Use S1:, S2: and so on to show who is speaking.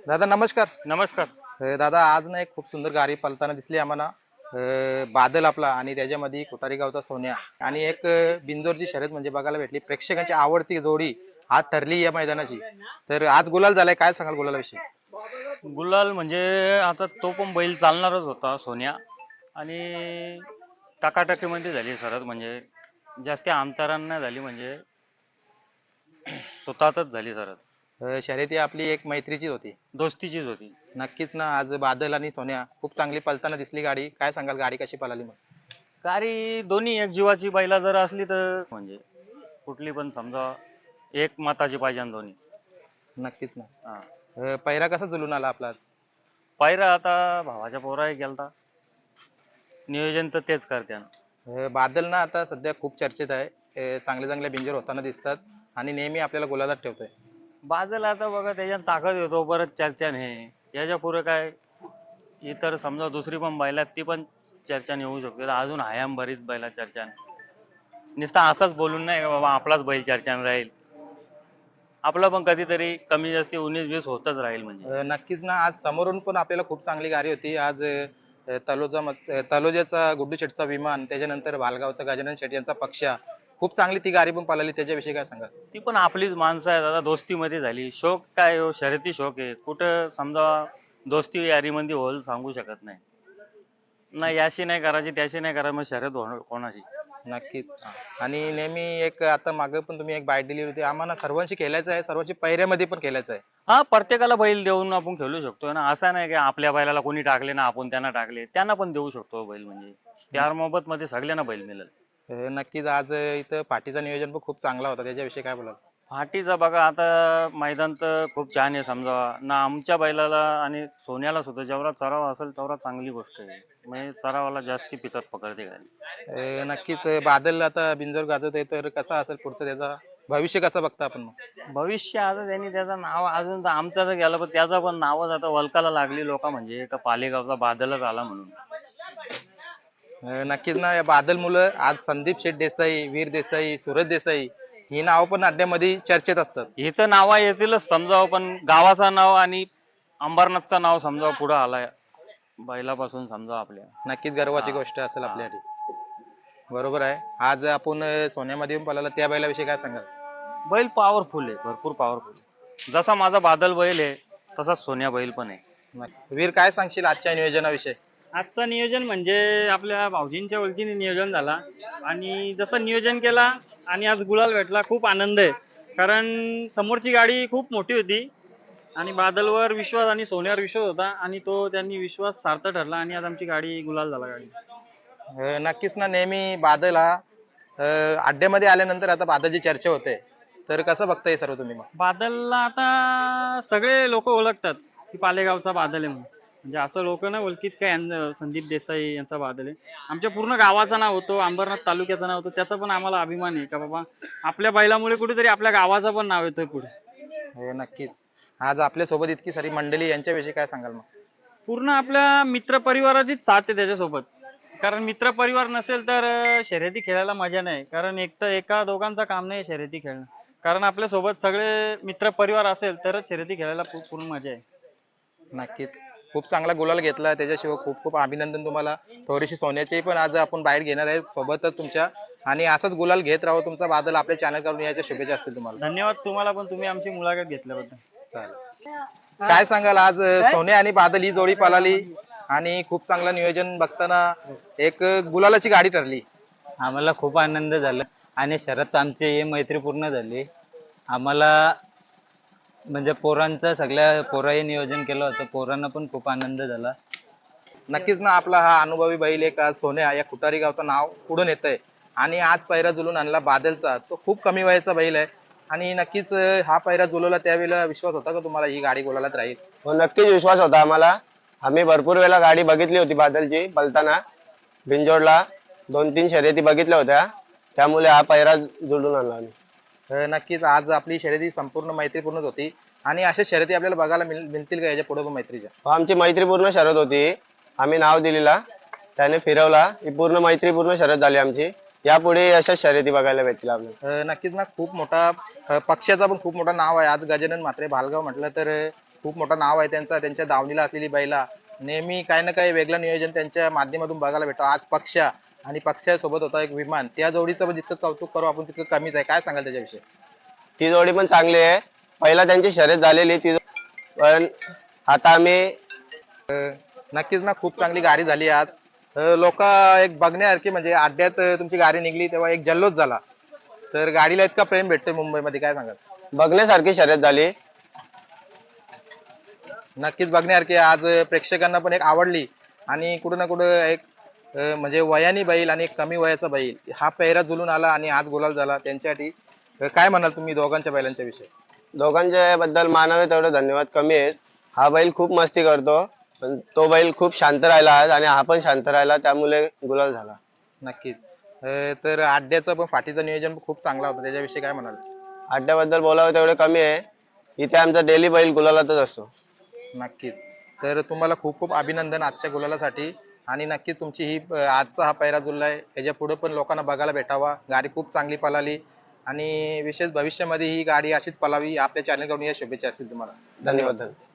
S1: दादा नमस्कार.
S2: नमस्कार.
S1: दादा आज ना एक खूप सुंदर गाडी पळताना दिसली आम्हाला. बादल आपला आणि त्याच्यामध्ये कोठारी गावचा सोन्या आणि एक बिंजोरची शर्यत म्हणजे बघायला भेटली. प्रेक्षकांची आवडती जोडी आज ठरली या मैदानाची. तर आज गुलाल झालाय, काय सांगाल गुलालाविषयी?
S2: गुलाल म्हणजे आता तो पण बैल चालणारच होता सोन्या आणि टाकाटाकीमध्ये झाली सरत म्हणजे जास्त अंतरानं झाली म्हणजे स्वतःच झाली सरत.
S1: शर्यत ही आपली एक मैत्रीची होती.
S2: दोस्तीचीच होती.
S1: नक्कीच ना, आज बादल आणि सोन्या खूप चांगली पळताना दिसली गाडी. काय सांगाल गाडी कशी पळाली मग?
S2: गाडी दोन्ही एक जीवाची बैला जर असली तर म्हणजे कुठली पण समजा एक मताची पाहिजे आणि दोन्ही.
S1: नक्कीच ना.
S2: हा.
S1: पहिरा कसा जुलून आला आपला आज?
S2: पायरा आता भावाच्या पोराही गेलता, नियोजन तर तेच करते.
S1: बादल ना आता सध्या खूप चर्चेत आहे. चांगले चांगले बिंजोर होताना दिसतात आणि नेहमी आपल्याला गुलालात ठेवतोय.
S2: बाजूला आता बघा त्याच्यात ताकद येतो परत चर्चा नाही याच्या पुढे काय इतर समजा दुसरी पण बैलात ती पण चर्चा येऊ शकते अजून हयाम बरीच बैला चर्चा नुसता असंच बोलून नाही का बाबा आपलाच बैल चर्चा राहील. आपलं पण कधीतरी कमी जास्ती 19-20 होतच राहील म्हणजे.
S1: नक्कीच ना, आज समोरून पण आपल्याला खूप चांगली गाडी होती. आज तलोजाचा गुड्डू शेटचा विमान, त्याच्यानंतर भालगावचा गजानन शेट यांचा पक्षा, खूप चांगली ती गाडी पण पळाली. त्याच्याविषयी काय सांगाल?
S2: ती पण आपलीच माणसं आहेत आता दोस्तीमध्ये झाली शौक काय हो शर्यती शौक आहे कुठं समजा दोस्ती यारीमध्ये होईल सांगू शकत नाही. नाही याशी नाही करायची त्याशी नाही करायची मग शर्यत होणार कोणाची.
S1: नक्कीच. आणि नेहमी एक आता मागे पण तुम्ही एक बाईट दिली होती. आम्हाला सर्वांशी खेळायचं आहे, सर्वांची पहिऱ्यामध्ये पण खेळायचं आहे.
S2: हा प्रत्येकाला बैल देऊन आपण खेळू शकतो ना असं नाही की आपल्या बैलाला कोणी टाकले ना आपण त्यांना टाकले त्यांना पण देऊ शकतो बैल म्हणजे प्यार मोहब्बत मध्ये सगळ्यांना बैल मिळेल.
S1: नक्कीच आज इथं पाठीचं नियोजन पण खूप चांगला होता. त्याच्याविषयी काय बोलाल?
S2: फाटीचा बघा आता मैदान तर खूप छान आहे समजा ना आमच्या बैलाला आणि सोन्याला सुद्धा जेवढा चराव असेल तेवढा चांगली गोष्ट आहे म्हणजे चरावाला जास्ती पिकत पकडते गाडी.
S1: नक्कीच बादल आता बिंजोर गाजवत आहे, तर कसा असेल पुढचं त्याचा भविष्य कसं बघता आपण मग?
S2: भविष्य आता त्यांनी त्याचं नाव अजून तर आमचं तर गेलं पण त्याचं पण नावच आता वलकाला लागली लोक म्हणजे का पालेगावचा बादलच आला म्हणून.
S1: नक्कीच ना, या बादल मुलं आज संदीप शेठ देसाई, वीर देसाई, सूरज देसाई ही नाव पण अड्ड्यामध्ये चर्चेत असतात.
S2: इथं नावा येतीलच समजावं पण गावाचं नाव आणि अंबरनाथचं नाव समजावं पुढं आलाय बैलापासून समजा आपल्या.
S1: नक्कीच गर्वाची
S2: हा.
S1: गोष्ट असेल
S2: हा.
S1: आपल्यासाठी. बरोबर आहे. आज आपण सोन्यामध्ये येऊन पळाला त्या बैलाविषयी काय सांगाल?
S2: बैल पॉवरफुल आहे भरपूर पॉवरफुल जसा माझा बादल बैल आहे तसा सोन्या बैल पण आहे.
S1: वीर काय सांगशील आजच्या नियोजनाविषयी?
S3: आजचं नियोजन म्हणजे आपल्या भाऊजींच्या ओळखीने नियोजन झाला आणि जसं नियोजन केला आणि आज गुलाल भेटला खूप आनंद आहे. कारण समोरची गाडी खूप मोठी होती आणि बादलवर विश्वास आणि सोन्यावर विश्वास होता आणि तो त्यांनी विश्वास सार्थ ठरला आणि आज आमची गाडी गुलाल झाला गाडी.
S1: नक्कीच ना, नेहमी बादल हा अड्ड्यामध्ये आल्यानंतर आता बादलची चर्चा होते. तर कसं बघताय सर्व तुम्ही मग?
S3: बादलला आता सगळे लोक ओळखतात की पालेगावचा बादल आहे म्हणून. म्हणजे असं लोक नाही ओळखीत काय संदीप देसाई यांचा बादल आहे. आमच्या पूर्ण गावाचं नाव होतं अंबरनाथ तालुक्याचं नाव होतं त्याचा पण आम्हाला अभिमान आहे का बाबा आपल्या बैलामुळे कुठेतरी आपल्या गावाचं पण नाव येतोय पुढे.
S1: नक्कीच. आज आपल्या सोबत इतकी सारी मंडळी यांच्याविषयी काय सांगाल मग?
S3: पूर्ण आपल्या मित्र परिवाराचीच साथ आहे त्याच्यासोबत. कारण मित्र परिवार नसेल तर शर्यती खेळायला मजा नाही कारण एक तर एका दोघांचं काम नाही शर्यती खेळणं. कारण आपल्या सोबत सगळे मित्र परिवार असेल तरच शर्यती खेळायला पूर्ण मजा आहे.
S1: नक्कीच. खूप चांगला गुलाल घेतला. त्याच्याशिवाय खूप खूप अभिनंदन तुम्हाला. थोडीशी सोन्याची पण आज आपण बाईट घेणार आहे सोबतच तुमच्या. आणि असाच गुलाल घेत राहू. तुमचा बादल आपल्या चॅनल करून याच्या शुभेच्छा असतील तुम्हाला.
S3: धन्यवाद तुम्हाला पण तुम्ही आमची मुलाखत घेतल्याबद्दल.
S1: चालेल. काय सांगाल आज सोन्या आणि बादल ही जोडी पळाली आणि खूप चांगलं नियोजन बघताना एक गुलालाची गाडी ठरली.
S4: आम्हाला खूप आनंद झाला आणि शरद आमची मैत्रीपूर्ण झाली. आम्हाला म्हणजे पोरांचं सगळ्या पोराही नियोजन केलं होतं पोरांना पण खूप आनंद झाला.
S1: नक्कीच ना, आपला हा अनुभवी बैल एक आज सोन्या या खुटारी गावचं नाव पुढून येत आहे आणि आज पैरा जुलून आणला बादलचा. तो खूप कमी वयाचा बैल आहे आणि नक्कीच हा पैरा जुलवला त्यावेळेला विश्वास होता का तुम्हाला ही गाडी गोलालाच राहील?
S5: हो नक्कीच विश्वास होता आम्हाला. आम्ही भरपूर वेळा गाडी बघितली होती बादलची पलताना बिंजोडला 2-3 शर्यती बघितल्या होत्या त्यामुळे हा पैरा जुळून आणला आम्ही.
S1: नक्कीच आज आपली शर्यती संपूर्ण मैत्रीपूर्णच होती आणि अशा शर्यती आपल्याला बघायला मिळतील का याच्या पुढे पण मैत्रीच्या?
S5: हो, आमची मैत्रीपूर्ण शर्यत होती. आम्ही नाव दिलेला त्याने फिरवला ही पूर्ण मैत्रीपूर्ण शर्यत झाली आमची. यापुढे अशा शर्यती बघायला भेटतील आपल्याला.
S1: नक्कीच ना, खूप मोठा पक्षाचा पण खूप मोठा नाव आहे आज गजानन म्हात्रे भालगाव म्हटलं तर खूप मोठं नाव आहे त्यांचा, त्यांच्या दावणीला असलेली बैला नेहमी काही ना काही वेगळं नियोजन त्यांच्या माध्यमातून बघायला भेटतो. आज पक्षा आणि पक्षासोबत होता एक विमान, त्या जोडीचं पण जितकं कौतुक करू आपण तितकं कमीच आहे. काय सांगाल त्याच्याविषयी?
S5: ती जोडी पण चांगली आहे. पहिला त्यांची शर्यत झालेली ती पण आता आम्ही
S1: नक्कीच ना, खूप चांगली गाडी झाली आज. लोक एक बघण्यासारखी म्हणजे अड्ड्यात तुमची गाडी निघली तेव्हा एक जल्लोष झाला. तर गाडीला इतका प्रेम भेटतोय मुंबईमध्ये, काय सांगाल?
S5: बघण्यासारखी शर्यत झाली.
S1: नक्कीच बघण्यासारखी आज प्रेक्षकांना पण एक आवडली आणि कुठं ना कुठं एक म्हणजे वयाने बैल आणि एक कमी वयाचा बैल हा पेहरा जुलून आला आणि आज गुलाल झाला त्यांच्यासाठी. काय म्हणाल तुम्ही दोघांच्या बैलांच्या विषयी?
S5: दोघांच्या बद्दल मानावे तेवढे धन्यवाद कमी आहेत. हा बैल खूप मस्ती करतो पण तो बैल खूप शांत राहिला आज आणि हा पण शांत राहिला त्यामुळे गुलाल झाला.
S1: नक्कीच. तर अड्ड्याचं पण फाटीचं नियोजन खूप चांगला होता, त्याच्याविषयी काय म्हणाल?
S5: अड्ड्याबद्दल बोलावं तेवढे कमी आहे. इथे आमचा डेली बैल गुलालातच असतो.
S1: नक्कीच. तर तुम्हाला खूप खूप अभिनंदन आजच्या गुलालासाठी आणि नक्कीच तुमची ही आजचा हा पैरा जुळलाय ह्याच्या पुढे पण लोकांना बघायला भेटावा. गाडी खूप चांगली पळाली आणि विशेष भविष्यामध्ये ही गाडी अशीच पळावी आपल्या चॅनलकडून या शुभेच्छा असतील तुम्हाला.
S5: धन्यवाद.